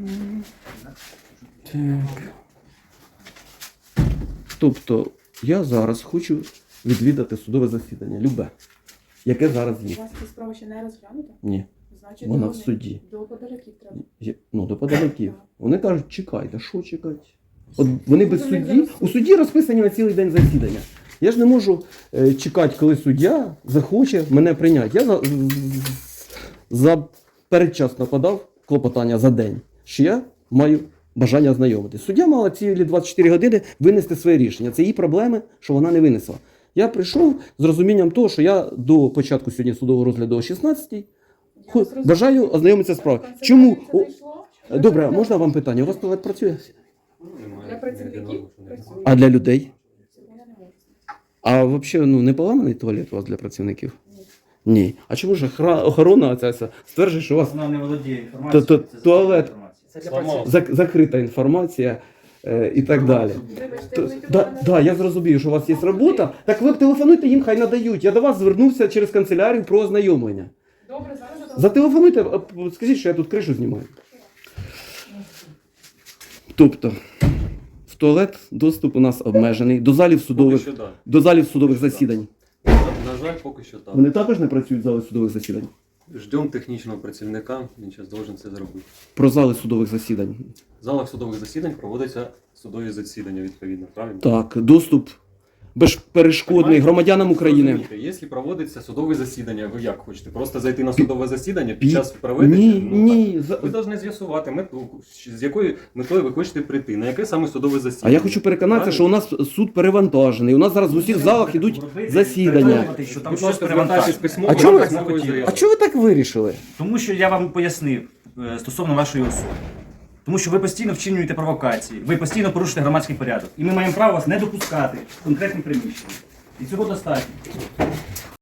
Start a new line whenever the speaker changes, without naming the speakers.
Так. Тобто, я зараз хочу відвідати судове засідання. Любе. Яке зараз є.
У вас ця справа ще не розглянута?
Ні.
Значить,
Вона
до
в суді.
До подаляків треба.
Ну, до подаляків. Вони кажуть, чекайте, що чекати? От вони без судді, у суді розписані на цілий день засідання. Я ж не можу чекати, коли суддя захоче мене прийняти. Я передчасно подав клопотання за день, що я маю бажання ознайомити. Суддя мала цілі 24 години винести своє рішення. Це її проблеми, що вона не винесла. Я прийшов з розумінням того, що я до початку сьогодні судового розгляду о 16-й бажаю ознайомитися з справою. Чому? Добре, а можна вам питання? У вас туалет працює?
Для працівників працює.
А для людей?
Цього я не можу.
А взагалі не поламаний туалет у вас для працівників? Ні. А чому ж охорона ця стверджує, що у вас
Вона не володіє інформацією.
туалет.
Це для працівників.
Закрита інформація і так далі?
Вибачте, вони тут
Да, я зрозумію, що у вас є робота. Так ви телефонуйте їм, хай надають. Я до вас звернувся через канцелярію про ознайомлення.
Добре, зараз
Зателефонуйте, скажіть, що я тут кришу знімаю. Тобто, в туалет доступ у нас обмежений, до залів судових,
Поки що да.
до залів судових засідань.
На жаль, поки що так.
Вони також не працюють в залі судових засідань?
Ждемо технічного працівника, він зараз должен це зробити.
Про зали судових засідань.
В залах судових засідань проводяться судові засідання, відповідно, правильно?
Так, доступ безперешкодний громадянам України.
Розумієте, якщо проводиться судове засідання, ви як хочете? Просто зайти на судове засідання під час проведення?
Ні,
Ну,
ні.
так. Ви повинні з'ясувати мету, з якою метою ви хочете прийти, на яке саме судове
А
засідання.
я хочу переконатися, що у нас суд перевантажений. У нас зараз в усіх залах ідуть засідання.
Що там
Будь
щось
ласка, звертайтесь
перевантажено.
письмово.
А чого ви-
письмовою заявою.
А чого ви так вирішили?
Тому що я вам пояснив стосовно вашої особи. Тому що ви постійно вчинюєте провокації, ви постійно порушуєте громадський порядок. І ми маємо право вас не допускати в конкретні приміщення. І цього достатньо.